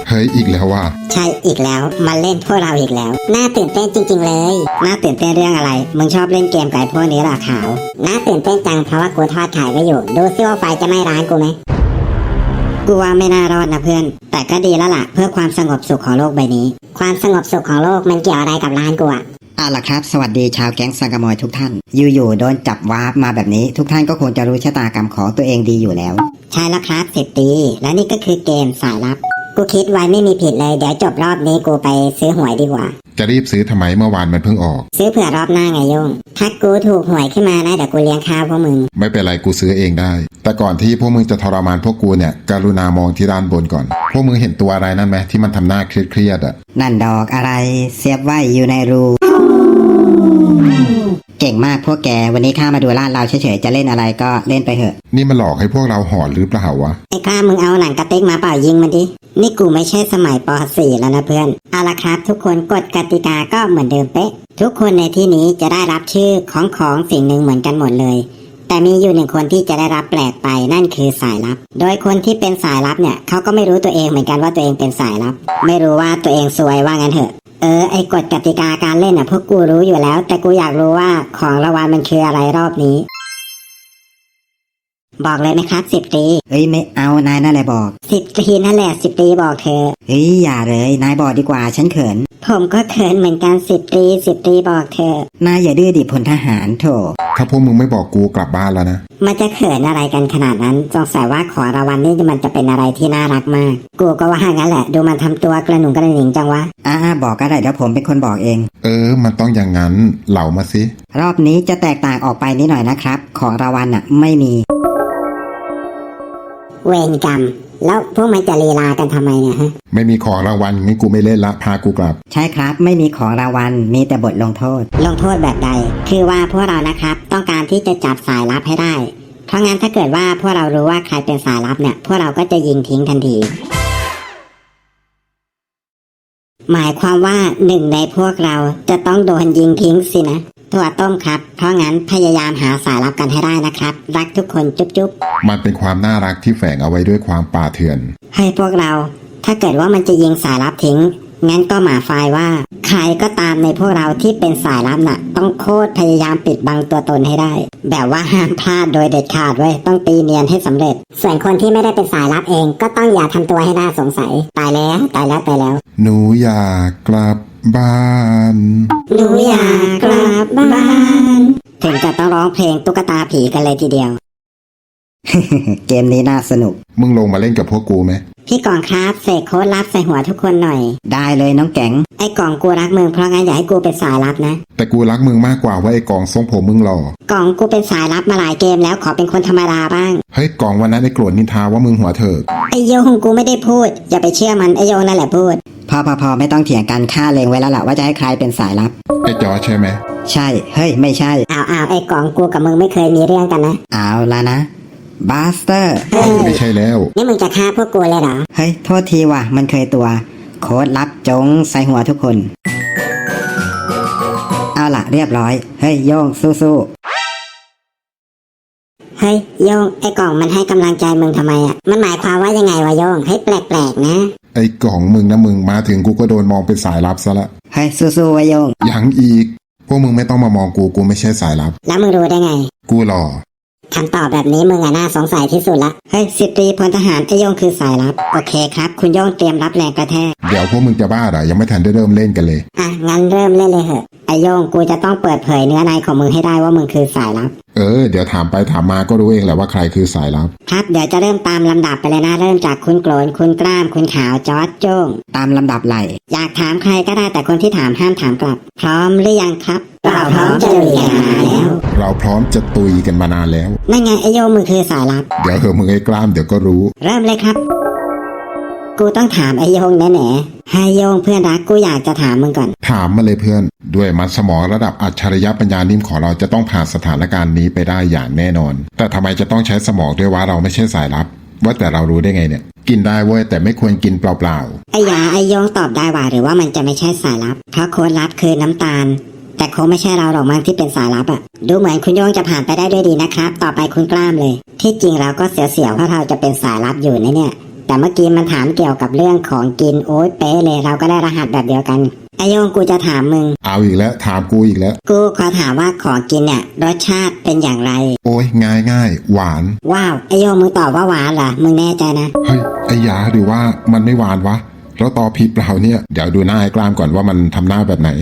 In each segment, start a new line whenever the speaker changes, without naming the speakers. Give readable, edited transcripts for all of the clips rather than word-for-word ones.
เฮ้ยอีกแล้วว่ะ
ใช่อีกแล้วมาเล่นพวกเราอีกแล้วน่าตื่นเต้นจริงๆเลยน่าตื่นเต้นเรื่องอะไรมึงชอบเล่นเกมกับพวกนี้หรอขาวน่าตื่นเต้นจังเพราะว่ากูทอดไข่ไว้อยู่ดูซิว่าไฟจะไหม้ร้านกูไหมกูว่าไม่น่ารอดนะเพื่อนแต่ก็ดีแล้วล่ะเพื่อความสงบสุขของโลกใบนี้ความสงบสุขของโลกมันเกี่ยวอะไรกับร้านกูอะ
ล่ะครับสวัสดีชาวแก๊งสังกะมอยทุกท่านอยู่ๆโดนจับวาร์ปมาแบบนี้ทุกท่านก็คงจะรู้ชะตากรรมของตัวเองดีอยู่แล้ว
ใช่แล้วครับ10 ปีและนี่ก็คือเกมสายลับกูคิดไว้ไม่มีผิดเลยเดี๋ยวจบรอบนี้กูไปซื้อหวยดีกว่า
จะรีบซื้อทำไมเมื่อวานมันเพิ่งออก
ซื้อเผื่อรอบหน้าไงโยงถ้ากูถูกหวยขึ้นมานะเดี๋ยวกูเลี้ยงข้าวพวกมึง
ไม่เป็นไรกูซื้อเองได้แต่ก่อนที่พวกมึงจะทรมานพวกกูเนี่ยกรุณามองที่ด้านบนก่อนพวกมึงเห็นตัวอะไรนั่นไหมที่มันทำหน้าเครียดๆอ่ะ
นั่นดอกอะไรเสียบไว้อยู่ในรูเก่งมากพวกแกวันนี้ข้ามาดูลาดเราเฉยๆจะเล่นอะไรก็เล่นไปเถอะ
นี่มันหลอกให้พวกเราหอนหรือเปล่าวะ
ไอ้ข้ามึงเอาหนังกระติกมาเปล่ายิงมันดินี่กูไม่ใช่สมัยป .4 แล้วนะเพื่อนเอาละครับทุกคนกฎกติกาก็เหมือนเดิมเป๊ะทุกคนในที่นี้จะได้รับชื่อของสิ่งหนึ่งเหมือนกันหมดเลยแต่มีอยู่หนึ่งคนที่จะได้รับแปลกไปนั่นคือสายลับโดยคนที่เป็นสายลับเนี่ยเขาก็ไม่รู้ตัวเองเหมือนกันว่าตัวเองเป็นสายลับไม่รู้ว่าตัวเองซวยว่างั้นเถอะไอ้กฎกติกาการเล่นพวกกูรู้อยู่แล้วแต่กูอยากรู้ว่าของรางวัลมันคืออะไรรอบนี้บอกเลยไหมครับ10 ปี
ไม่เอานายนั่นแหละบอก
10 ปีนั่นแหละ10 ปีบอกเธอ
อย่าเลยนายบอกดีกว่าฉันเขิน
ผมก็เขินเหมือนกัน10 ปี10 ปีบอกเธอน
ายอย่าดื้อดิพลทหารโถ
ถ้าพวกมึงไม่บอกกูกลับบ้านแล้วนะ
มันจะเขินอะไรกันขนาดนั้นสงสัยว่าขอรางวัลนี่มันจะเป็นอะไรที่น่ารักมากกูก็ว่างั้นแหละดูมันทำตัวกระหนุ่งกระหนิงจังวะ
บอกก็ได้เดี๋ยวผมเป็นคนบอกเอง
มันต้องอย่างนั้นเหล่ามาสิ
รอบนี้จะแตกต่างออกไปนิดหน่อยนะครับของรางวัลไม่มี
เวรกรรมแล้วพวกมันจะลีลากันทำไมเนี่ยฮะ
ไม่มีของรางวัลงั้นกูไม่เล่นละพากูกลับ
ใช่ครับไม่มีของรางวัลมีแต่บทลงโทษ
แบบใดคือว่าพวกเรานะครับต้องการที่จะจับสายลับให้ได้เพราะงั้นถ้าเกิดว่าพวกเรารู้ว่าใครเป็นสายลับเนี่ยพวกเราก็จะยิงทิ้งทันทีหมายความว่าหนึ่งในพวกเราจะต้องโดนยิงทิ้งสินะถั่วต้มครับเพราะงั้นพยายามหาสายลับกันให้ได้นะครับรักทุกคนจุ๊บ
มันเป็นความน่ารักที่แฝงเอาไว้ด้วยความป่าเถื่อน
ให้พวกเราถ้าเกิดว่ามันจะยิงสายลับทิ้งงั้นก็หมาไฟว่าใครก็ตามในพวกเราที่เป็นสายลับน่ะต้องโคตรพยายามปิดบังตัวตนให้ได้แบบว่าห้ามพลาดโดยเด็ดขาดไว้ต้องตีเนียนให้สำเร็จส่วนคนที่ไม่ได้เป็นสายลับเองก็ต้องอย่าทำตัวให้น่าสงสัยตายแล้ว
หนูอยากกลับบ้าน
หนูอยากกลับบ้านถึงจะต้องร้องเพลงตุ๊กตาผีกันเลยทีเดียว
เกมนี้น่าสนุก
มึงลงมาเล่นกับพวกกูไหม
พี่กองครับเสกโค้ดลับใส่หัวทุกคนหน่อย
ได้เลยน้องแก๋ง
ไอ้กองกูรักมึงเพราะงั้นอย่าให้กูเป็นสายลับนะ
แต่กูรักมึงมากกว่าว่าไอ้กองทรงผมมึงหล่อก
องกูเป็นสายลับมาหลายเกมแล้วขอเป็นคนธรรมดาบ้าง
เฮ้ยกองวันนั้นไอ้โกรธนินทาว่ามึงหัวเถิก
ไอ้โยงกูไม่ได้พูดอย่าไปเชื่อมันไอ้โยงนั่นแหละพูด
พอไม่ต้องเถียงกันฆ่าเลงไว้แล้วล่ะว่าจะให้ใครเป็นสายลับ
ไอ้จอใช่ไหม
ใช่เฮ้ยไม่ใช่
เอาไอ้กองกูกับมึงไม่เคยมีเรื่องกันนะ
เอาละนะบาสเตอร์
ไม่ใช่แล้ว
นี่มึงจะฆ่าพวกกูเลยเหรอ
เฮ้ยโทษทีว่ะมันเคยตัวโค้ดลับจงใส่หัวทุกคนเอาล่ะเรียบร้อยเฮ้ยโยงสู้
เฮ้ยโยงไอ้กล่องมันให้กำลังใจมึงทำไมมันหมายความว่ายังไงวะโยงให้แปลกๆนะ
ไอ้กล่องมึงนะมึงมาถึงกูก็โดนมองเป็นสายลับซะละ
เฮ้ยสู้ๆวะโยง
ยังอีกพวกมึงไม่ต้องมามองกูไม่ใช่สายลับ
แล้วมึงรู้ได้ไง
กูหล่อ
คำตอบแบบนี้มึงน่าสงสัยที่สุดละเฮ้ย10 ปีพลทหารไอ้โยงคือสายลับโอเคครับคุณโยงเตรียมรับแรงกระแทก
เดี๋ยวพวกมึงจะบ้าเหรอยังไม่ทันได้เริ่มเล่นกันเลย
งั้นเริ่มเล่นเลยเหอะไอ้โยงกูจะต้องเปิดเผยเนื้อในของมึงให้ได้ว่ามึงคือสายลับ
เดี๋ยวถามไปถามมาก็รู้เองแหละว่าใครคือสายลับ
ครับเดี๋ยวจะเริ่มตามลำดับไปเลยนะเริ่มจากคุณโกรนคุณกล้ามคุณขาวจอร์จโจ้ง
ตามลำดับไหล
อยากถามใครก็ได้แต่คนที่ถามห้ามถามกลับพร้อมหรือยังครับเราพร้อมจะลุยกันมาแล้ว
เราพร้อมจะตุยกันมานานแล้ว
นั่นไงไอโยมึงคือสายลับ
เดี๋ยวมึงไอ้กล้ามเดี๋ยวก็รู้
เริ่มเลยครับกูต้องถามไอโยงแน่ๆไอโยงเพื่อนรักกูอยากจะถามมึงก่อน
ถามมาเลยเพื่อนด้วยมัดสมองระดับอัจฉริยะปัญญานิ่มของเราจะต้องผ่านสถานการณ์นี้ไปได้อย่างแน่นอนแต่ทำไมจะต้องใช้สมองด้วยว่าเราไม่ใช่สายลับว่าแต่เรารู้ได้ไงเนี่ยกินได้เว้ยแต่ไม่ควรกินเปล่า
ๆไอโยงตอบได้ว่าหรือว่ามันจะไม่ใช่สายลับเพราะโค้ดลับคือน้ำตาลแต่คงไม่ใช่เราหรอกมั้งที่เป็นสายลับดูเหมือนคุณโยงจะผ่านไปได้ด้วยดีนะครับต่อไปคุณกล้ามเลยที่จริงเราก็เสียวๆเพราะเราจะเป็นสายลับอยู่เนี่ยแต่เมื่อกี้มันถามเกี่ยวกับเรื่องของกินโอ๊ยเป๊ะเลยเราก็ได้รหัสแบบเดียวกันไอโยงกูจะถามมึง
เอาอีกแล้วถามกูอีกแล้ว
กูขอถามว่าของกินเนี่ยรสชาติเป็นอย่างไร
โอ้ยง่ายหวาน
ว้าวไอโยงมึงตอบว่าหวานเหรอมึงแน่ใจนะ
เฮ้ยไอ้ยาหรือว่ามันไม่หวานวะแล้วตอบผิดเปล่าเนี่ยเดี๋ยวดูหน้าไอ้กล้ามก่อนว่ามันทำหน้าแบบไหน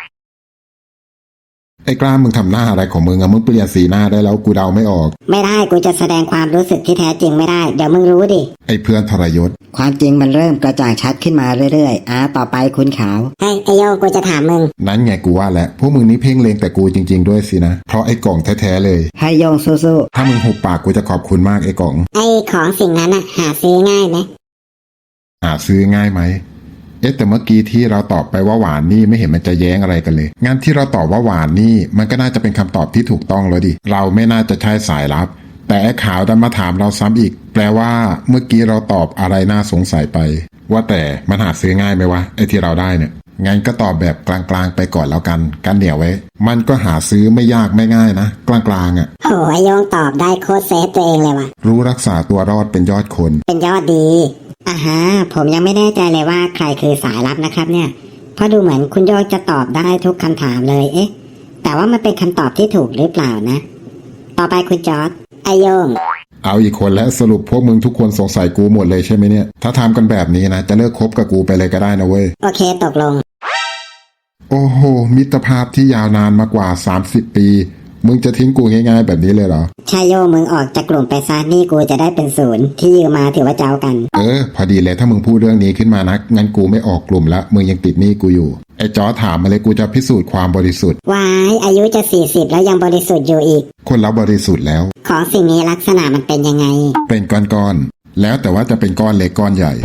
ไอ้กล้ามมึงทำหน้าอะไรของมึงอะมึงเปลี่ยนสีหน้าได้แล้วกูเดาไม่ออก
ไม่ได้กูจะแสดงความรู้สึกที่แท้จริงไม่ได้เดี๋ยวมึงรู้ดิ
ไอ้เพื่อนทรยศ
ความจริงมันเริ่มกระจ่างชัดขึ้นมาเรื่อยๆต่อไปคุณขาว
เฮ้ยไอโยงกูจะถามมึง
นั้นไงกูว่าแหละพวกมึงนี่เพ่งเลงแต่กูจริงๆด้วยสินะเพราะไอ้กล่องแท้ๆเลย
ให้โยงสู้
ถ้ามึงหุบปากกูจะขอบคุณมากไอ้กล่อง
ไอของสิ่งนั้นอะหาซื้อง่ายไหม
หาซื้อง่ายไหมแต่เมื่อกี้ที่เราตอบไปว่าหวานนี่ไม่เห็นมันจะแย้งอะไรกันเลยงั้นที่เราตอบว่าหวานนี่มันก็น่าจะเป็นคำตอบที่ถูกต้องแล้วดิเราไม่น่าจะใช่สายลับ แต่ไอ้ขาวดันมาถามเราซ้ำอีก แปลว่าเมื่อกี้เราตอบอะไรน่าสงสัยไป ว่าแต่มันหาซื้อง่ายไหมวะไอ้ที่เราได้เนี่ยงั้นก็ตอบแบบกลางๆไปก่อนแล้วกันเหนียวไว้มันก็หาซื้อไม่ยากไม่ง่ายนะกลางๆอ่ะ
โหไอโยงตอบได้โคตรเซฟตัวเองเลยว่ะ
รู้รักษาตัวรอดเป็นยอดคน
เป็นยอดดีอ่าฮะผมยังไม่แน่ใจเลยว่าใครคือสายลับนะครับเนี่ยเพราะดูเหมือนคุณโยงจะตอบได้ทุกคำถามเลยแต่ว่ามันเป็นคำตอบที่ถูกหรือเปล่านะ ต่อไปคุณจอร์จไอโยง
เอาอีกคนแล้วสรุปพวกมึงทุกคนสงสัยกูหมดเลยใช่ไหมเนี่ยถ้าทำกันแบบนี้นะจะเลิกคบกับกูไปเลยก็ได้นะเว้ย
โอเคตกลง
โอ้โหมิตรภาพที่ยาวนานมากว่า30 ปีมึงจะทิ้งกูง่ายๆแบบนี้เลยเหรอ
ชายโยมึงออกจากกลุ่มไปซะนี่กูจะได้เป็นศูนย์ที่ยืมมาถือว่าเจ้ากัน
พอดีเลยถ้ามึงพูดเรื่องนี้ขึ้นมานะงั้นกูไม่ออกกลุ่มละมึงยังติดหนี้กูอยู่ไอ้จอถามมาเลยกูจะพิสูจน์ความบริสุทธิ์
วายอายุจะ40แล้วยังบริสุทธิ์อยู่อีก
คนเราบริสุทธิ์แล้ว
ของสิ่งนี้ลักษณะมันเป็นยังไง
เป็นก้อนๆแล้วแต่ว่าจะเป็นก้อนเล็กก้อนใหญ่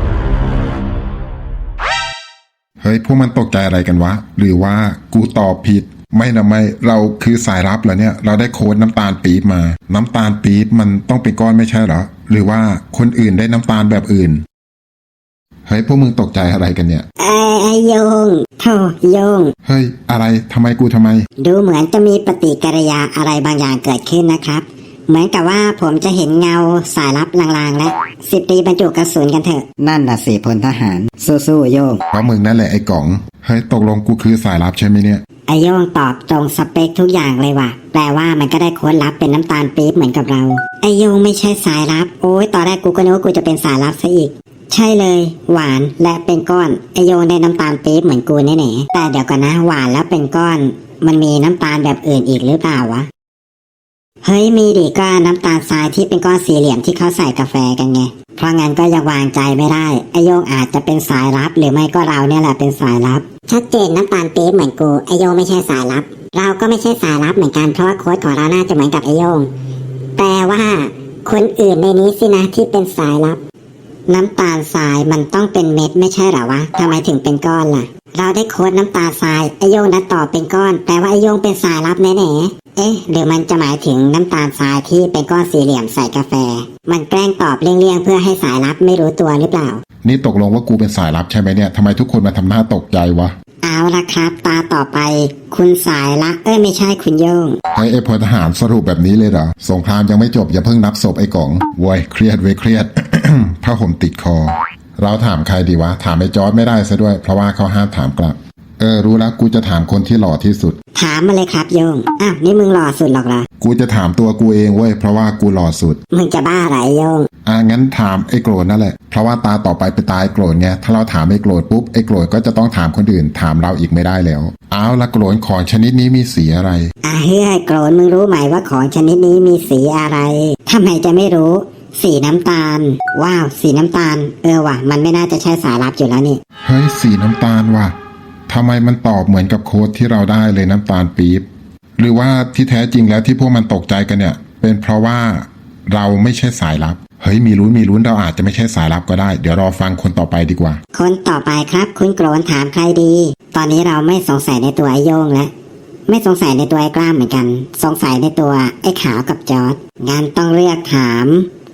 เฮ้ยพวกมันตกใจอะไรกันวะหรือว่ากูตอบผิดไม่นะไม่เราคือสายลับเหรอเนี่ยเราได้โค้ดน้ำตาลปี๊บมาน้ำตาลปี๊บมันต้องเป็นก้อนไม่ใช่เหรอหรือว่าคนอื่นได้น้ำตาลแบบอื่นเฮ้ยพวกมึงตกใจอะไรกันเนี่ย
ไอโยงโธ่โยง
เฮ้ยอะไรทำไมกูทำไม
ดูเหมือนจะมีปฏิกิริยาอะไรบางอย่างเกิดขึ้นนะครับเหมือนกับว่าผมจะเห็นเงาสายลับลางๆและ10 ปีบรรจุกระสุนกันเถอะ
นั่นน่ะสิพลทหารสู้ๆโยง
เพราะมึงนั่นแหละไอ้กล่องเฮ้ยตกลงกูคือสายลับใช่ไหมเนี่ย
ไอโยงตอบตรงสเปคทุกอย่างเลยว่ะแปลว่ามันก็ได้โค้ดลับเป็นน้ำตาลปี๊บเหมือนกับเราไอโยงไม่ใช่สายลับโอ้ยตอนแรกกูก็นึกว่ากูจะเป็นสายลับซะอีกใช่เลยหวานและเป็นก้อนไอโยงได้น้ำตาลปี๊บเหมือนกูแน่ๆแต่เดี๋ยวก่อนนะหวานแล้วเป็นก้อนมันมีน้ำตาลแบบอื่นอีกหรือเปล่าวะเฮ้ยมีดิก็น้ำตาลทรายที่เป็นก้อนสี่เหลี่ยมที่เขาใส่กาแฟกันไงเพราะงั้นก็ยังวางใจไม่ได้ไอโยงอาจจะเป็นสายลับหรือไม่ก็เราเนี่ยแหละเป็นสายลับชัดเจนน้ำตาลปี๊บเหมือนกูไอโยงไม่ใช่สายลับเราก็ไม่ใช่สายลับเหมือนกันเพราะว่าโค้ดของเราน่าจะเหมือนกับไอโยงแปลว่าคนอื่นในนี้สินะที่เป็นสายลับน้ำตาลทรายมันต้องเป็นเม็ดไม่ใช่เหรอวะทำไมถึงเป็นก้อนล่ะเราได้โค้ดน้ำตาลทรายไอโยงนัดต่อเป็นก้อนแปลว่าไอโยงเป็นสายลับแน่ๆหรือมันจะหมายถึงน้ำตาลทรายที่เป็นก้อนสี่เหลี่ยมใส่กาแฟมันแกล้งตอบเลี่ยงๆเพื่อให้สายลับไม่รู้ตัวหรือเปล่า
นี่ตกลงว่ากูเป็นสายลับใช่ไหมเนี่ยทำไมทุกคนมาทำหน้าตกใจวะ
เอาละครับตาต่อไปคุณสายละไม่ใช่คุณโยง
ไอ้พลทหารสรุปแบบนี้เลยเหรอสงครามยังไม่จบอย่าเพิ่งนับศพไอ้กล่องโว้ยเครียดเว้ยเครียด ผ้าห่มติดคอเราถามใครดีวะถามไอ้จอร์จไม่ได้ซะด้วยเพราะว่าเขาห้ามถามกลับรู้แล้วกูจะถามคนที่หล่อที่สุด
ถามมาเลยครับโยงอ้าวนี่มึงหล่อสุดหรอกเหรอ
กูจะถามตัวกูเองเว้ยเพราะว่ากูหล่อสุด
มึงจะบ้าอะไรโยง
งั้นถามไอ้โกรธนั่นแหละเพราะว่าตาต่อไปเป็นตาไอ้โกรธไงถ้าเราถามไอ้โกรธปุ๊บไอ้โกรธก็จะต้องถามคนอื่นถามเราอีกไม่ได้แล้วเอาละโกรธของชนิดนี้มีสีอะไร
เฮ้ยโกรธมึงรู้ไหมว่าของชนิดนี้มีสีอะไรทำไมจะไม่รู้สีน้ำตาลว้าวสีน้ำตาลว่ะมันไม่น่าจะใช่สายลับอยู่แล้วนี่
เฮ้ยสีน้ำตาลว่ะทำไมมันตอบเหมือนกับโค้ดที่เราได้เลยน้ำตาลปี๊บหรือว่าที่แท้จริงแล้วที่พวกมันตกใจกันเนี่ยเป็นเพราะว่าเราไม่ใช่สายลับเฮ้ยมีลุ้นเราอาจจะไม่ใช่สายลับก็ได้เดี๋ยวรอฟังคนต่อไปดีกว่า
คนต่อไปครับคุณโกรนถามใครดีตอนนี้เราไม่สงสัยในตัวไอโยงแล้วไม่สงสัยในตัวไอ้กล้ามเหมือนกันสงสัยในตัวไอ้ขาวกับจอร์จงั้นต้องเลือกถาม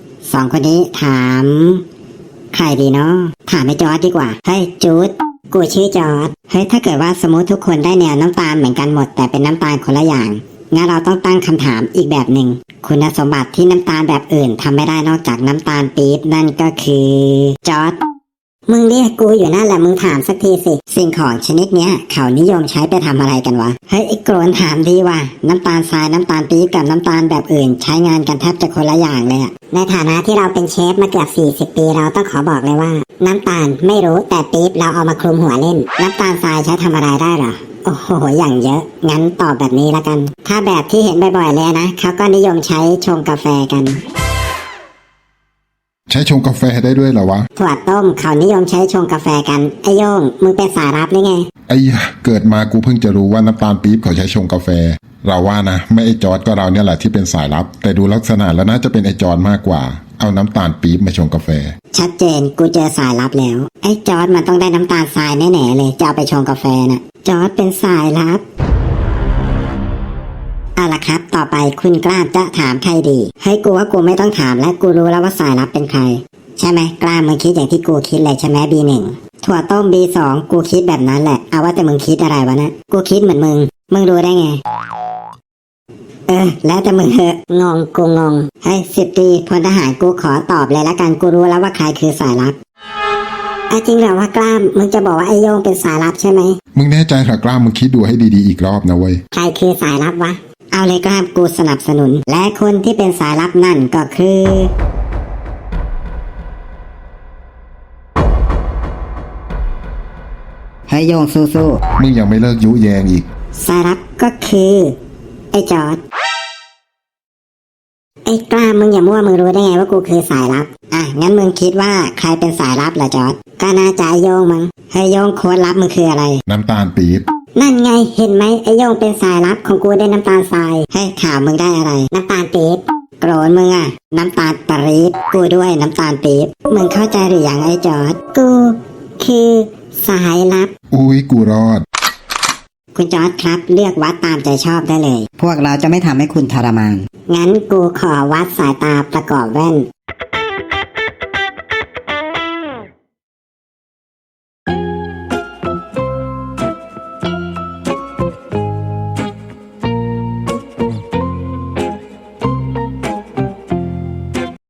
2 คนนี้ถามใครดีเนาะถามไอ้จอร์จดีกว่าเฮ้ยจูดกูชื่อจอร์จเฮ้ยถ้าเกิดว่าสมมติทุกคนได้แนวน้ำตาลเหมือนกันหมดแต่เป็นน้ำตาลคนละอย่างงั้นเราต้องตั้งคำถามอีกแบบหนึ่งคุณสมบัติที่น้ำตาลแบบอื่นทำไม่ได้นอกจากน้ำตาลปี๊บนั่นก็คือจอร์จมึงเรียกกูอยู่นั่นแหละมึงถามสักทีสิสิ่งของชนิดเนี้ยเขานิยมใช้ไปทำอะไรกันวะเฮ้ยไอ้โกรนถามดีว่ะน้ำตาลทรายน้ำตาลปี๊บกับน้ำตาลแบบอื่นใช้งานกันแทบจะคนละอย่างเลยอะในฐานะที่เราเป็นเชฟมาเกือบ40 ปีเราต้องขอบอกเลยว่าน้ำตาลไม่รู้แต่ปี๊บเราเอามาคลุมหัวเล่นน้ำตาลทรายใช้ทำอะไรได้หรอโอ้โหอย่างเยอะงั้นตอบแบบนี้ละกันถ้าแบบที่เห็นบ่อยๆเลยนะเขาก็นิยมใช้ชงกาแฟกัน
ใช้ชงกาแฟได้ด้วยเหรอวะ
ถั่วต้มเขานิยมใช้ชงกาแฟกันไอโยงมึงเป็นสายลับหรือไง
ไอ้ยะเกิดมากูเพิ่งจะรู้ว่าน้ำตาลปี๊บเขาใช้ชงกาแฟ เราว่านะไม่ไอ้จอร์ดก็เราเนี่ยแหละที่เป็นสายลับ แต่ดูลักษณะแล้วน่าจะเป็นไอ้จอร์ดมากกว่าเอาน้ำตาลปี๊บมาชงกาแฟ
ชัดเจนกูเจอสายลับแล้วไอ้จอร์ดมันต้องได้น้ำตาลทรายแน่ๆเลยจะเอาไปชงกาแฟน่ะจอร์ดเป็นสายลับเอาล่ะครับต่อไปคุณกล้าจะถามใครดีให้กูว่ากูไม่ต้องถามและกูรู้แล้วว่าสายลับเป็นใครใช่ไหมกล้ามึงคิดอย่างที่กูคิดเลยใช่ไหม B1 ถั่วต้ม B2 กูคิดแบบนั้นแหละเอาว่าแต่มึงคิดอะไรวะนะกูคิดเหมือนมึงรู้ได้ไงแล้วแต่มึงเหอะงงกูงงให้10 ตรีพลทหารกูขอตอบเลยละกันกูรู้แล้วว่าใครคือสายลับจริงเหรอว่ากล้ามมึงจะบอกว่าไอโยงเป็นสายลับใช่ไหม
มึงแน่ใจเหรอกล้ามึงคิดดูให้ดีๆอีกรอบนะเว้ย
ใครคือสายลับวะเอาเลยกล้ามกูสนับสนุนและคนที่เป็นสายลับนั่นก็คือ
ให้โยงสู้
มึงยังไม่เลิกยุแยงอีก
สายลับก็คือไอ้จอร์จไอ้กล้ามึงอย่ามั่วมึงรู้ได้ไงว่ากูคือสายลับงั้นมึงคิดว่าใครเป็นสายลับล่ะจอร์จก็น่าจะไอ้โยงมั้งไอ้โยงโค้ดลับมึงคืออะไร
น้ำตาลปี๊บ
นั่นไงเห็นไหมไอ้โยงเป็นสายลับของกูได้น้ำตาลทรายให้ข่าวมึงได้อะไรน้ำตาลปี๊บโกรนมึงอะน้ำตาลปรี๊บกูด้วยน้ำตาลปี๊บมึงเข้าใจหรือยังไอ้จอร์จกูคือสายลับ
อุ้ยกูรอด
คุณจอร์จครับเลือกวัดตามใจชอบได้เลย
ๆพวกเราจะไม่ทำให้คุณทรมาน
งั้นกูขอวัดสายตาประกอบแว่น